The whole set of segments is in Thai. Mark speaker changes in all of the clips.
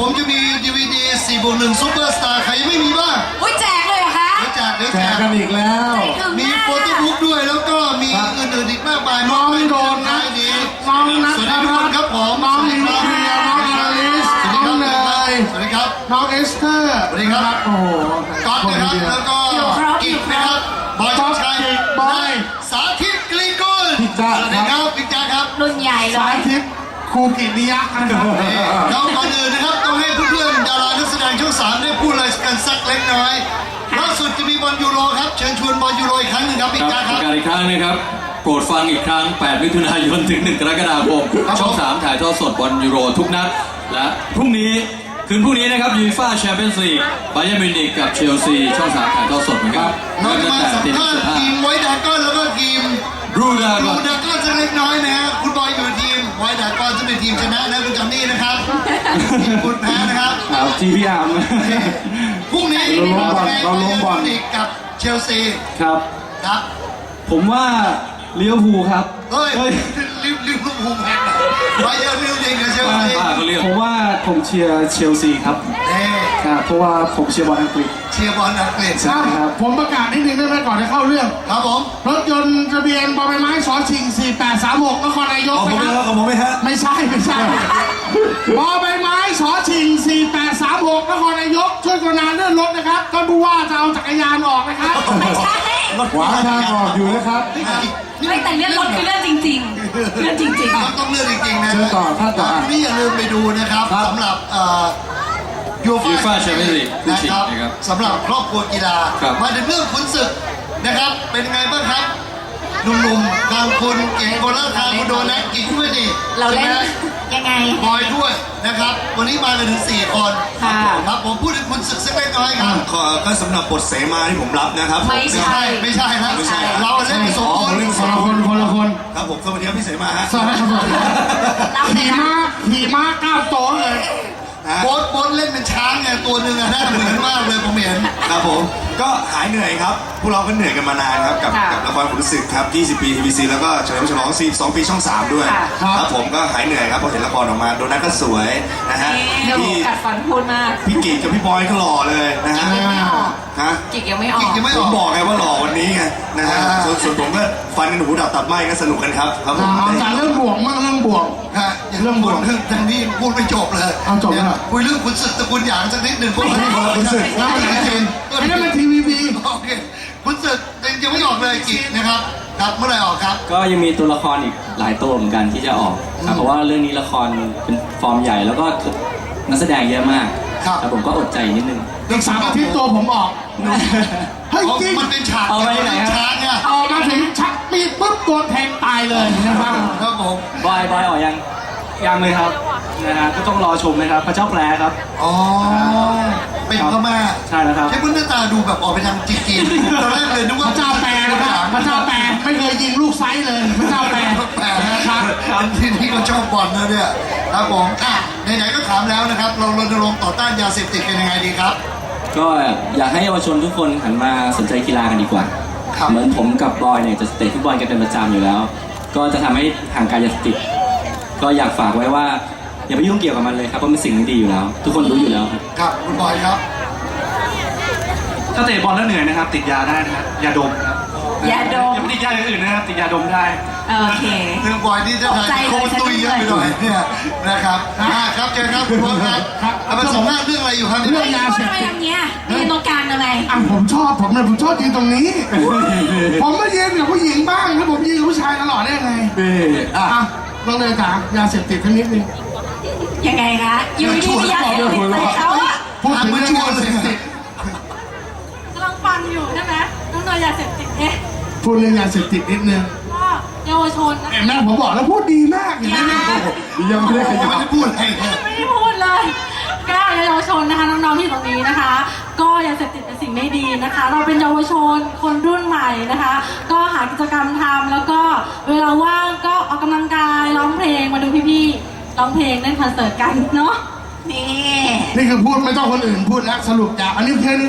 Speaker 1: ผมจะมี DVD 4+1 Super Star ใครยังไม่มีบ้าง
Speaker 2: อุ้ยแจกเลยเหรอคะ
Speaker 1: เดี๋ยวแจก
Speaker 3: แจกกันอีกแล้ว
Speaker 1: มีโฟโต้บุ๊กด้วยแล้วก็มีอื่นๆอีกมากมาย
Speaker 3: น้องโดนนะ
Speaker 1: ดี
Speaker 3: น้องนัท
Speaker 1: สวัสดีทุกคนครับผม
Speaker 3: น้องนิวเคลียร์น้องอลิสน้องเนย
Speaker 1: สวัสดีครับ
Speaker 3: น้องเอสเตอร์
Speaker 1: สวัสดีครับ
Speaker 3: โอ้โห
Speaker 1: ก๊อตนะครับแล้วก็กิกนะครับบอยชัย
Speaker 3: บอย
Speaker 1: สาธิตกลีกุล
Speaker 3: พี่จ๊ะ
Speaker 1: สวัสดีครับพี่จ๊ะครับ
Speaker 2: รุ่นใหญ่เล
Speaker 3: สาย ธิตครูกิติยักษ์นะครับ
Speaker 1: แล้วก่อนอื่นนะครับต้องให้เพื่อนๆดารานักแสดงช่อง 3ได้พูดอะไรกันสักเล็กน้อยล่าสุดจะมีบอลยูโรครับเชิญชวนบอลยูโรอีกครั้งหนึงครับพี่
Speaker 4: ค
Speaker 1: จ๊ะ
Speaker 4: รับ
Speaker 1: ค
Speaker 4: ป
Speaker 1: รับ
Speaker 4: ระกาศอีกครั้งนะครับโปรดฟังอีกครั้ง 8 มิถุนายนถึง 1 กรกฎาคม ช่อง 3 ถ่ายทอดสดบอลยูโรทุกนัด และพรุ่งนี้คืนพรุ่งนี้นะครับยูฟ่าแชมเปี้ยนส์ลีกบาเยิร์นมิวนิกกับเชลซีช่อง 3 ถ่ายทอดสดเหมือนกัน
Speaker 1: เราจะ
Speaker 4: ตั้ง
Speaker 1: มา
Speaker 4: แต่
Speaker 1: สัม
Speaker 4: ตี
Speaker 1: ภาษณ์ทีมไวท์ดากอนแล้วก็ทีม
Speaker 4: รูดา
Speaker 1: ดู
Speaker 4: ก่อน
Speaker 1: ดากอนสักเล็กน้อยนะฮะคุณบอยอยู่ทีมไวท์ดากอนจะเป็นทีมชนะนะคุณจำนี่นะครับทีมคุณแพ้นะครับ
Speaker 3: ครับทีพี่อาร์ม
Speaker 1: พรุ่งนี้
Speaker 3: เราล้มบอล
Speaker 1: มิวนิกกับเชลซี
Speaker 3: ครับ
Speaker 1: ครับ
Speaker 3: ผมว่าลิเวอร์พูลครับ
Speaker 1: เฮ้ยลิเวอร์พูลแพ้ไบเยิร์นมิวนิกกับเชลซี
Speaker 4: ป้าเขาเรียก
Speaker 3: ผมว่าผมเชียร์เชลซีครับ
Speaker 1: เอ้ย
Speaker 3: ครับเพราะว่าผมเชียร์บอลอังกฤษ
Speaker 1: เชียร์บอลอังกฤษ
Speaker 3: ใช่ครับ ผมประกาศนิดนึงได้ไหมก่อนจะเข้าเรื่อง
Speaker 1: ครับผม
Speaker 3: รถยนต์ทะเบียนบอใบไม้สอชิง 4836 นครนายกนะครับ
Speaker 1: ของผมไหมฮะ
Speaker 3: ไม่ใช่ บอใบไม้สอชิง 4836 นครนายก ช่วยกรุณาเลื่อนรถนะครับท่านผู้ว่าจะเอาจักรยานออกนะครับ
Speaker 2: ไม่ใช่
Speaker 3: ขวาทางออกอยู่นะครับ
Speaker 2: ไม่แต่เรื่องรถคือเรื่องจริงๆ เรื่องจริง
Speaker 1: ต้องเลือกจริงๆนะ
Speaker 3: เชิญต่อท่านต่อ
Speaker 1: นี่อย่าลืมไปดูนะครับสำหรับยู
Speaker 4: ยูฟ่าแชมเปี้ยนส์ลีกคู่
Speaker 1: นะ
Speaker 4: ชิง
Speaker 1: ครับ
Speaker 4: นะครับ
Speaker 1: สำหรับครอบครัวกีฬา
Speaker 4: ครับ
Speaker 1: มาถึงเรื่องขุนศึกนะครับ เป็นไงบ้างครับหนุ่มๆทางคุณเก่งคนละทางคุณโดนัทอีกด้วยนี่
Speaker 2: ๆ เราเล่น
Speaker 1: ใช่ไหม
Speaker 2: ยังไง
Speaker 1: บอยด้วยนะครับ วันนี้มากันถึง4 คน
Speaker 2: ค่ะ
Speaker 1: ครับผมพูดถึงขุนศึกสักเล็กน้อยครับ
Speaker 5: ก็สำหรับบทเสมาที่ผมรับนะครับ
Speaker 2: ไม่ใช่
Speaker 1: ไม่ใช่นะ
Speaker 5: ไม่ใช่
Speaker 1: เราเล่นเป็นสองคน
Speaker 3: คนละคน
Speaker 5: ครับผมสวัสดีครับพี่เสมาฮะ
Speaker 3: สวัสดีครับ
Speaker 2: รับเลย
Speaker 3: ขี่
Speaker 2: นะ
Speaker 3: ม้าก้าวโตเลย
Speaker 1: โบ๊ทเล่นเป็นช้างไงตัวหนึ่งอะน่าเหมือนมากเลยผมเห็น
Speaker 5: ครับผมก็หายเหนื่อยครับพวกเราก็เหนื่อยกันมานานครับกับละครขุนศึกครับ 20 ปี TVC แล้วก็เฉลิมฉลอง42 ปีช่อง 3 ด้วยครับผมก็หายเหนื่อยครับพอเห็นละครออกมาโดนัทก็สวยนะฮะ
Speaker 2: เดี๋ยว
Speaker 5: พี่
Speaker 2: กัดฟันพูดมาก
Speaker 5: พี่กิจกับพี่บอยก็หล่อเลยนะฮะ
Speaker 2: ยังไม่ออก
Speaker 5: ฮะ
Speaker 2: กิกยังไม่ออก
Speaker 1: กิกยังไม่อ
Speaker 5: ผ
Speaker 1: อ
Speaker 5: ม
Speaker 1: ก
Speaker 5: บอกไงว่าหล่อวันนี้ไงนะฮะส่วนผมก็ฟันกันหูดับตับไหม้ก็สนุกกันครับครับผม
Speaker 3: เอาจากเรื่องบวกมากเรื่องบวก
Speaker 1: ฮะอย่างเรื่องบทเรื่องทางนี้พูดไม่จบเลย
Speaker 3: เอาจบแล้วเหรอ
Speaker 1: คุยเรื่องขุนศึกตระกูลหยางสักนิดหนึ่งพวกเรา
Speaker 3: ขุนศึก
Speaker 1: แล้วมันจริง
Speaker 3: ไอ้นั่นมันทีวีบี
Speaker 1: โอเคขุนศึกยังไม่ออกเลยกิจนะครับครับเมื่อไหร่ออกครับ
Speaker 6: ก็ยังมีตัวละครอีกหลายตัวเหมือนกันที่จะออกครับเพราะว่าเรื่องนี้ละครเป็นฟอร์มใหญ่แล้วก็นักแสดงเยอะมาก
Speaker 1: ครับ
Speaker 6: แต่ผมก็อดใจนิดนึง
Speaker 3: อีก3 อาทิตย์ตัวผมออกเฮ้ย
Speaker 1: เพราะ
Speaker 3: จริง
Speaker 1: มันเป็นฉาก
Speaker 6: เอาไว้ไหนครับ
Speaker 1: ช้างเนี่ย
Speaker 3: ออกมาถึงชักปีดปุ๊บตัวแทงตายเลยนะครับ
Speaker 1: ครับผม
Speaker 6: บอยออกยังเลยครับนะฮะก็ต้องรอชมนะครับพระเจ้าแปลครับ
Speaker 1: อ๋อเป็นพม่า
Speaker 6: ใช่แล้วครับ
Speaker 1: ใช่เพื่อนหน้าตาดูแบบออกไปทางจีนๆตอนแรกเลยนึก
Speaker 3: พ
Speaker 1: ว่า
Speaker 3: ระเจ้าแปรนะครับพระเจ้าแปรไม่เคยยิงลูกไซส์เลยพระเจ้าแปร
Speaker 1: แปลนะครับที่นี่ก็ชอบบอลนะเนี่ยครับผมอ่ะไหนๆก็ถามแล้วนะครับเรารณรงค์ต่อต้านยาเสพติดกันยังไงดีครับ
Speaker 6: ก็อยากให้เยาวชนทุกคนหันมาสนใจกีฬากันดีกว่า
Speaker 1: ครับ
Speaker 6: เหมือนผมกับบอยเนี่ยจะเตะฟุตบอลกันเป็นประจำอยู่แล้ว ก็จะทำให้ห่างไกลยาเสพติดก็อยากฝากไว้ว่าอย่าไปยุ่งเกี่ยวกับมันเลยครับเพราะมันสิ่งไม่ดีอยู่แล้ว ทุกคนรู้อยู่แล้วครับ
Speaker 1: ครับคุณบอยครับ
Speaker 7: ถ้าเตะบอลแล้วเหนื่อยนะครับ ติดยาได้นะครับยาดมครับ
Speaker 2: ยาดม
Speaker 7: อย่าไปติดยาอย่างอื่นนะครับ ติดยาดมได้
Speaker 2: โอเค
Speaker 1: เรื่องบอยนี่จะ
Speaker 2: ตกใจ
Speaker 1: โค
Speaker 2: เลย
Speaker 1: ตรตุยเยอะไปหน่อยเนี่ยนะครับครับเจอครับคุณพ่อครับเอาไปสัมภาษณ์เรื่องอะไรอยู่ครับ
Speaker 3: เรื่องยาเส
Speaker 2: ทำ
Speaker 3: พ
Speaker 2: ไม
Speaker 3: ติด
Speaker 2: ทำเงี้ยยืนตรงกลางทำไม
Speaker 3: อ่ะผมชอบยืนตรงนี้ ผมมายืนกับผู้หญิงบ้างถ้าผมยืนกับผู้ชายตลอดได้ยังไงอ่ะต้องเลยจ๋ายาเสพติดทั้งนิดนึง
Speaker 2: ยังไงคะอยู่ดีๆอยากเห็นติดใส่เขาอะ
Speaker 3: พูดถึงเรื่องยาเสพติด
Speaker 8: กำลังฟังอยู่ใช่ไหมน้องเนยยาเสพติดเอ๊ะ
Speaker 3: พูดเรื่องยาเสพติดนิดนึง
Speaker 8: ก็เยาวชนนะ
Speaker 3: เห็นไหมผมบอกแล้วพูดดีมากอย่างนี้เนี่ยยังไม่ได้ข
Speaker 1: ยัง
Speaker 3: ยั
Speaker 1: ไม่
Speaker 3: บ
Speaker 1: ได้พูดอะไรเลย
Speaker 8: ไม่ได้พูดเลยก็เยาวชนนะคะน้องๆที่อยู่ตรงนี้นะคะ ก็ยาเสพติดเป็นสิ่งไม่ดีนะคะ เราเป็นเยาวชนคนรุ่นใหม่นะคะ ก็หากิจกรรมทำแล้วก็เวลาว่างก็ออกกำลังกายร้องเพลงมาดูพี่ๆร้องเพลงเล่นคอนเสิร์ตกันเนาะนี่
Speaker 3: นี่คือพูดไม่ต้องคนอื่นพูดแล้วสรุปจากอันนี้เพียง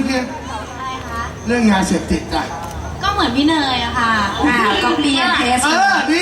Speaker 3: เรื่องยาเสพติดจ้ะ
Speaker 8: ก็เหมือนพี่เนยอะค่ะ
Speaker 2: ก็เปลี่ยนเทส
Speaker 3: ดี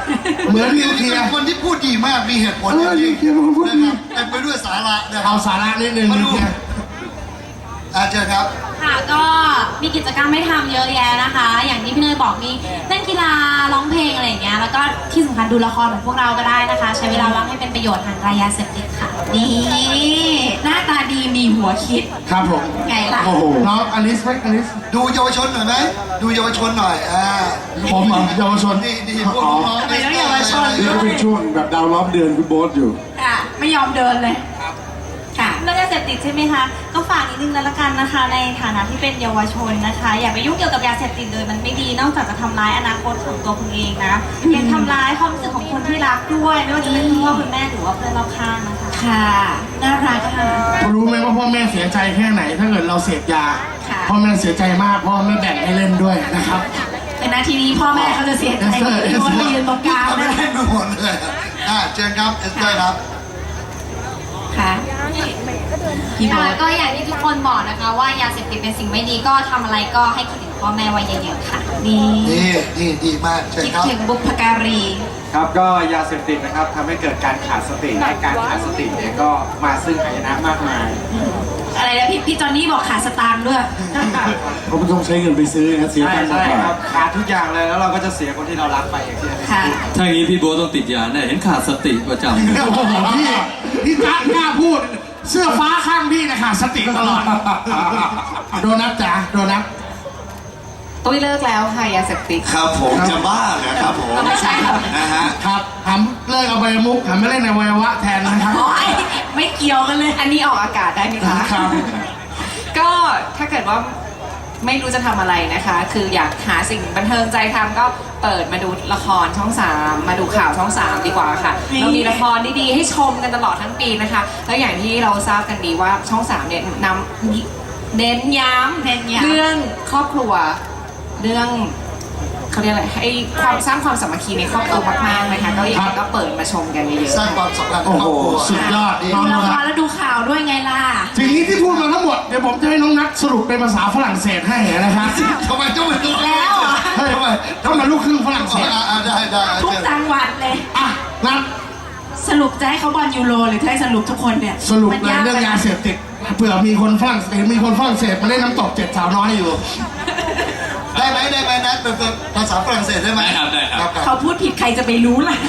Speaker 3: เหมือนนิวเคลียร์
Speaker 1: เป็นคนที่พูดดีมากมีเหตุผล
Speaker 3: นิวเคลียร์เป็นคนพูดดี
Speaker 1: นะครับเต็มไปด้วยสาระนะครั
Speaker 3: เอา
Speaker 1: บ
Speaker 3: สาระนิดนึง
Speaker 1: มา
Speaker 3: นิ
Speaker 1: ดู
Speaker 3: วเคลียร์
Speaker 1: เชิญครับ
Speaker 8: ค่ะก็มีกิจกรรมให้ทำเยอะแยะนะคะ อย่างที่พี่เนยบอกมีเล่นกีฬาร้องเพลงอะไรอย่างเงี้ยแล้วก็ที่สำคัญดูละครเหมือนพวกเราก็ได้นะคะ ใช้เวลาว่างให้เป็นประโยชน์ห่างไกลยาเสพติดค่ะนี่หน้าตาดีมีหัวคิด
Speaker 3: ครับผม
Speaker 8: ไงล่ะ
Speaker 3: โอ้โหน้องอลิสไหมอลิส
Speaker 1: ดูเยาวชนหน่อยไหมดูเยาวชนหน่อย
Speaker 3: ผมเยาวชน
Speaker 1: นี่พวกน้องๆ
Speaker 8: ทำไมต้องเยาวชน
Speaker 3: นี่ก็เป็นช่วงแบบดาวล้อมเดือนคุณโบ๊ทอยู่
Speaker 8: ค่ะไม่ยอมเดินเลยค่ะเรื่องยาเสพติดใช่ไหมคะก็ฝากนิดนึงละกันนะคะ ในฐานะที่เป็นเยาวชนนะคะ อย่าไปยุ่งเกี่ยวกับยาเสพติดเลยมันไม่ดีนอกจากจะทำร้ายอนาคตของตัวคุณเองนะยังทำร้ายความรู้สึกของคนที่รักด้วยไม่ว่าจะเป็นคุณพ่อคุณแม่หรือว่าเพื่อนรอบข้างนะคะค่ะน่ารักค่ะ
Speaker 3: รู้ไหมว่าพ่อแม่เสียใจแค่ไหน ถ้าเกิดเราเสพยา
Speaker 8: ค่ะ
Speaker 3: พ่อแม่เสียใจมากพ่อไม่แบ่งให้เล่นด้วยนะครับ
Speaker 8: แต่นาทีนี้พ่อแม่เขาจะเสียใจที่คนมายืนตรงกลาง
Speaker 1: ไม่
Speaker 8: นะ
Speaker 1: ได้ดูหมดเลยเชิญครับเอสเตอร์ครับ
Speaker 8: ค่ะ
Speaker 9: ค่ะก็อย่างที่ทุกคนบอกนะคะว่ายาเสพติดเป็นสิ่งไม่ดีก็ทำอะไรก็ให้คิดถึงพ่อแม่ไว้เยอะๆค่ะ
Speaker 8: นี่
Speaker 1: นี่ดีมากเชิญ
Speaker 8: คิด
Speaker 1: ครับ
Speaker 8: ถึงบุพการี
Speaker 7: ครับก็ยาเสพติดนะครับทำให้เกิดการขาดสติและการขาดสติเนี่ยก็มาซึ่งหายนะมากมาย
Speaker 8: อะไรนะพี่จอนนี่บอกขาดสตางค์ด้วย
Speaker 3: เขาไม่ต้องใช้เงินไปซื้อนะเสีย
Speaker 7: ใช่
Speaker 3: ตังค์
Speaker 7: ใช่
Speaker 3: ก่อน
Speaker 7: ครับขาดทุกอย่างเลยแล้วเราก็จะเสียคนที่เรารักไปอย่างที่อันนี้
Speaker 8: ค่ะ
Speaker 4: ถ้าอย่างนี้พี่โบ๊ทต้องติดยาแน่เห็นขาดสติประจำ
Speaker 3: โอ้โหพี่กล้าพูด เสื้อฟ้าข้างพี่นะค่ะสติตลอด โดนัทจ๋าโดนัท
Speaker 9: ตุ้ยเลิกแล้วค่ะยาเสพติด
Speaker 5: ครับผมจะบ้าเหรอครับผม
Speaker 9: ไม่ใช่ค่ะ
Speaker 5: นะฮะ
Speaker 3: ครับหันเลิกเอาใบมุกหันมาเล่นในวัยวะแทนนะครับ
Speaker 8: โอ๊ยไม่เกี่ยวกันเลย
Speaker 9: อันนี้ออกอากาศได้ไหมคะ
Speaker 3: ครับ
Speaker 9: ก็ถ้าเกิดว่าไม่รู้จะทำอะไรนะคะ คืออยากหาสิ่งบันเทิงใจทำก็เปิดมาดูละครช่อง 3 มาดูข่าวช่อง 3 ดีกว่าค่ะ
Speaker 8: นี่
Speaker 9: เรามีละครดีๆให้ชมกันตลอดทั้งปีนะคะ แล้วอย่างที่เราทราบกันดีว่าช่อง 3 เนี่ยเน้นย้ำเรื่องครอบครัวเรื่องเขาเรียกอะไรให้ความสร้างความสามัคคีในครอบครัวมากๆนะคะก็อย่างนี้ก็เปิดมาชมกันเยอะ
Speaker 1: สร้างความสัมพันธ์ใน
Speaker 3: โอ้
Speaker 1: คร
Speaker 3: โห
Speaker 1: อบครัว
Speaker 3: สุดยอด
Speaker 1: ดี
Speaker 3: น้อง
Speaker 8: ดูละ
Speaker 3: นะ
Speaker 8: ครแล้วดูข่าวด้วยไงล่ะ
Speaker 3: ทีนี้ที่พูดมาทั้งหมดเดี๋ยวผมจะให้น้องนัทสรุปเป็นภาษาฝรั่งเศสให้นะครับ
Speaker 1: ทำไมต้องเป็นตัว
Speaker 8: แล้วเหรอ
Speaker 3: เฮ้ยถ้ามาลูกครึ่งฝรั่งเศส
Speaker 1: ได้
Speaker 8: ทุกจังหวัดเลย
Speaker 3: อ่ะนัท
Speaker 8: สรุปจะให้เขาบอลยูโรหรือจะให้สรุปทุกคนเนี่ย
Speaker 3: สรุป
Speaker 8: มัน
Speaker 3: เลย
Speaker 8: ก
Speaker 3: เรื่องยาเสพติดเผื่อมีคนฝรั่งเศสมีคนฝรั่งเศสมาเล่นน้ำตก7 สาวน้อยอยู่
Speaker 1: ได้ไหมนัดเป็นภาษาฝรั่งเศสได้ไหม
Speaker 4: ได้ครับ
Speaker 8: เขาพูดผิดใครจะไปรู้ล่ะ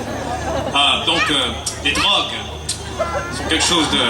Speaker 10: Donc, les drogues sont quelque chose de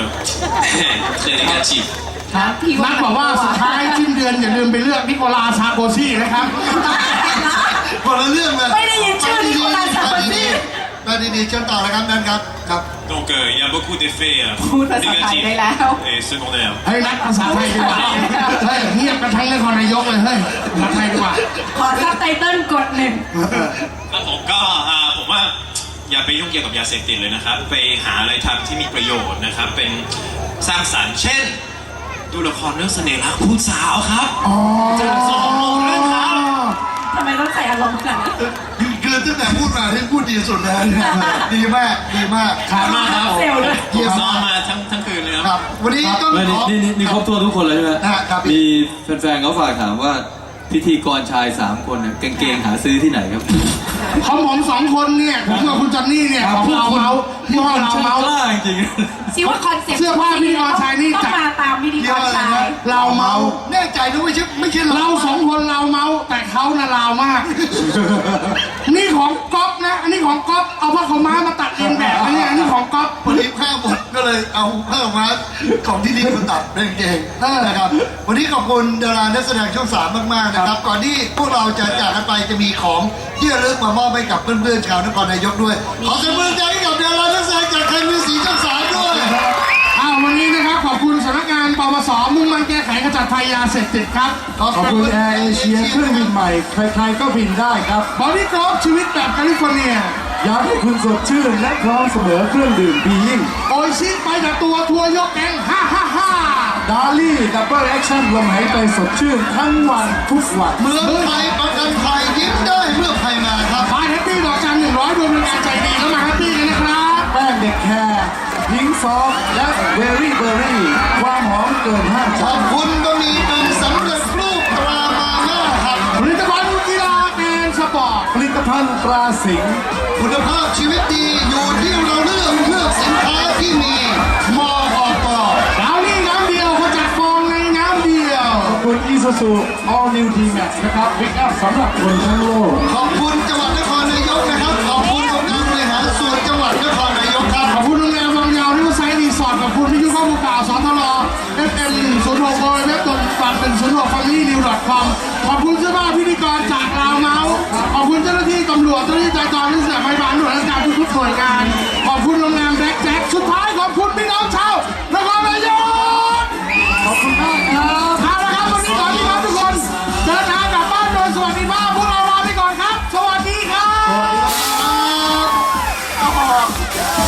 Speaker 10: très négatif.
Speaker 3: ครับนัทบอกว่าสุดท้ายสิ้นเดือนอย่าลืมไปเลือกนิโคลัสซาโกซี่นะครับ
Speaker 1: คนละเรื่องเลย
Speaker 8: ไม่ได้ยินชื่อนิโคลัสซาโกซี่
Speaker 1: มาดีๆเชิญต่อแล้วครับนั่นครับครับ
Speaker 10: Donc, il y a beaucoup d'effets
Speaker 9: พูดภาษาไทยได้แล้ว
Speaker 10: et secondaires.
Speaker 3: เฮ้ยนัทภาษาไทยดีกว่าเฮ้ยเงียบกันทั้งนครนายกเลยเฮ้ยภาษาไทยดีกว่า
Speaker 8: ขอซับไตเติ้ลกดหนึ่ง
Speaker 10: ครับผมก็ผมว่าอย่าไปยุ่งเกี่ยวกับยาเสพติดเลยนะครับ ไปหาอะไรทำที่มีประโยชน์นะครับ เป็นสร้างสรรค์เช่น ดูละครเรื่องเสน่ห์รักผู้สาวครับ
Speaker 3: อ๋อ
Speaker 10: จะสองโมงครึ่งครับ
Speaker 8: ทำไมต้องใส่อารมณ์ขนาดนั้น
Speaker 1: คือตั้งแต่พูดมาที่พูดดีสุดแล้วเนี่ยดีมาก
Speaker 3: ครับ
Speaker 10: มากครับ
Speaker 8: เซลล์เลย
Speaker 1: เยี่ยม
Speaker 10: ซ้อม
Speaker 1: มาก
Speaker 10: มาทั้งคืนเลยครับ
Speaker 1: ครับ วันนี้ต้อง
Speaker 4: ไม่
Speaker 1: ขอ
Speaker 4: นี่ครบถ้วนทุกคนเลยใช่ไหม
Speaker 1: ครับ
Speaker 4: มีแฟนๆเขาฝากถามว่าพิธีกรชาย 3 คนเนี่ยกางเกงหาซื้อที่ไหนครับ
Speaker 3: ของผม2 คนเนี่ยผมกับคุณจอนนี่เนี่ยของเราเมาส์ที่ห้องเราเมาส์
Speaker 4: กล้าจริง
Speaker 8: ซิว่าคอนเซ็ปต์
Speaker 3: เสื้อผ้าพิธีกรชายนี่
Speaker 8: ต้อ
Speaker 3: จะ
Speaker 8: งมาตามพิธี
Speaker 1: เยี่
Speaker 8: ก
Speaker 1: ยม
Speaker 8: ร
Speaker 1: อะไร
Speaker 8: ชาย
Speaker 1: นะ
Speaker 3: เราเมาส์
Speaker 1: แน่ใจนะไม่ใช่
Speaker 3: เรา2 คนเราเมาส์แต่เขาน่ะลาวมาก นี่ของก๊อฟนะอันนี้ของก๊อฟเอาผ้าขาวม้ามาตัดเองแบบนะเนี่ยอันนี้ของก๊อฟ
Speaker 1: วันนี้ผ้าหมดก็เลยเอาผ้ามาของที่นี่มาตัดเป็นเกงนะครับ วันนี้ขอบคุณดารานักแสดงช่อง 3 มากๆนะครับ ก่อนที่พวกเราจะจากกันไปจะมีของที่ระลึกมามอบให้กับเพื่อนๆชาวนครนายกด้วย ขอเสียงปรบมือใจให้กับดารานักแสดงจากไทยมิวสิกช่อง 3 ด้วย
Speaker 3: วันนี้นะครับขอบคุณสำนักงานปปสมุ่งมั่นแก้ไขขจัดภัยยาเสพติดครับ
Speaker 1: ขอบคุณแอร์เอเชียเครื่องบินใหม่
Speaker 3: ใครๆก็บินได้ครับบอดี้กรอบชีวิตแบบแคลิฟอร์เนียอยากให้คุณสดชื่นและพร้อมเสมอเครื่องดื่มบียิ่งโอชิไปแต่ตัวทัวร์ยกแก๊งดาลี่ดับเบิลแอคชั่นลมหายใจสดชื่นทั้งวันทุกวัน
Speaker 1: เมืองไทยประกันภัยยิ้มได้เมื่อภัยมาครับ
Speaker 3: บายแฮปปี้ดอกจัน100ดวงเป็นงานใจดีแล้วมาแฮปปี้กันนะครับ แป้งเด็กแคร์พิงซอฟและเบอร์รี่ความหอมเกินห้าม
Speaker 1: ข
Speaker 3: ใจ
Speaker 1: อบคุณบะหมี่กึ่งสำเร็จรูปตรามาม่าครับ
Speaker 3: ผลิตภัณฑ์กีฬาแอนด์สปอร์ตผลิตภัณฑ์ตราสิงห์
Speaker 1: คุณภาพชีวิตดีอยู่ที่เราเลือกสินค้าที่มีมอก
Speaker 3: ดาวนี่น้ำเดียวเขาจัดฟองในน้ำเดียว ขอบคุณ Isuzu All New D-Max นะครับพิกอัพสำหรับคนทั้งโลก
Speaker 1: ขอบคุณจังหวัดนครนายกนะครับ ขอบคุณองค์การบริหารส่วนจังหวัดนครนายกครับ
Speaker 3: ขอบคุณโรงแรมวังยาวที่มาไซต์รีสอร์ทขอบคุณวิทยุข้อมูลข่าวสทร FM 106 เว็บต้นปัดเป็น106 familynew.com ขอบคุณเสื้อผ้าพิธีกรจากลาวเมาส์ขอบคุณเจ้าหน้าที่ตำรวจเจ้าหน้าที่จราจรที่เสียบไม้บานหน่วยราชการทุกๆหน่วยงาน ขอบคุณโรงแรมแบล็คแจ็คสุดท้ายขอบคุณพี่น้องชาวนครนายกขอบคุณมากครับเอาละครับวันนี้ขอพี่น้องทุกคนเดินทางกลับบ้านโดยสวัสดิภาพพวกเราลาไปก่อนครับ สวัสดีครับ
Speaker 1: สวัสดีครับ